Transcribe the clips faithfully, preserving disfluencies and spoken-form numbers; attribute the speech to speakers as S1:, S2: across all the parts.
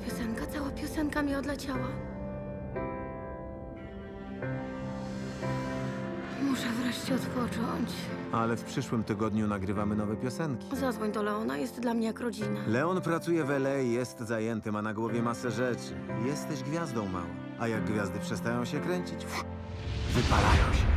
S1: piosenka, cała piosenka mi odleciała. Muszę wreszcie odpocząć.
S2: Ale w przyszłym tygodniu nagrywamy nowe piosenki.
S1: Zadzwoń do Leona, jest dla mnie jak rodzina.
S2: Leon pracuje w L A, jest zajęty, ma na głowie masę rzeczy. Jesteś gwiazdą, mała. A jak gwiazdy przestają się kręcić, pff, wypalają się.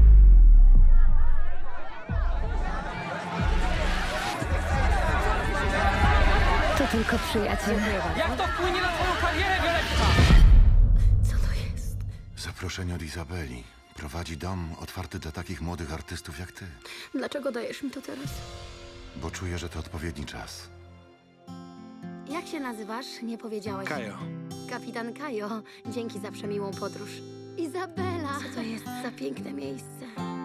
S1: To tylko przyjaciel.
S3: Jak to wpłynie na twoją karierę, Violetta?
S1: Co to jest?
S4: Zaproszenie od Izabeli. Prowadzi dom otwarty dla takich młodych artystów jak ty.
S1: Dlaczego dajesz mi to teraz?
S4: Bo czuję, że to odpowiedni czas.
S1: Jak się nazywasz? Nie powiedziałeś.
S5: Kajo.
S1: Kapitan Kajo. Dzięki za przemiłą podróż. Izabela! Co to jest za piękne miejsce?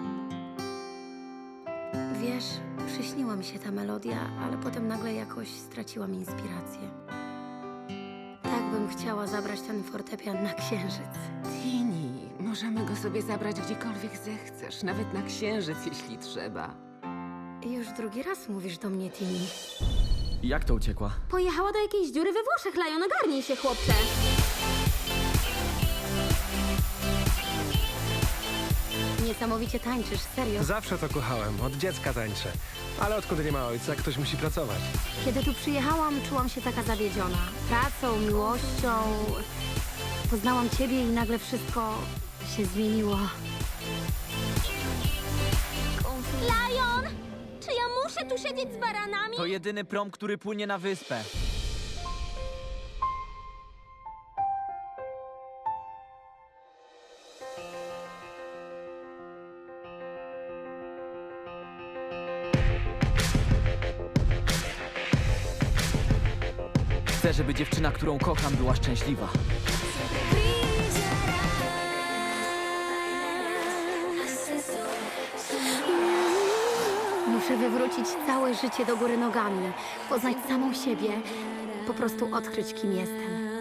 S1: Wiesz, przyśniła mi się ta melodia, ale potem nagle jakoś straciłam inspirację. Tak bym chciała zabrać ten fortepian na księżyc.
S6: Tini, możemy go sobie zabrać gdziekolwiek zechcesz, nawet na księżyc, jeśli trzeba.
S1: Już drugi raz mówisz do mnie, Tini.
S3: Jak to uciekła?
S1: Pojechała do jakiejś dziury we Włoszech, Lion, ogarnij się, chłopcze. Niesamowicie tańczysz, serio.
S5: Zawsze to kochałem, od dziecka tańczę. Ale odkąd nie ma ojca, ktoś musi pracować.
S1: Kiedy tu przyjechałam, czułam się taka zawiedziona. Pracą, miłością. Poznałam ciebie i nagle wszystko się zmieniło.
S7: Lion! Czy ja muszę tu siedzieć z baranami?
S3: To jedyny prom, który płynie na wyspę. Chcę, żeby dziewczyna, którą kocham, była szczęśliwa.
S1: Muszę wywrócić całe życie do góry nogami. Poznać samą siebie. Po prostu odkryć, kim jestem.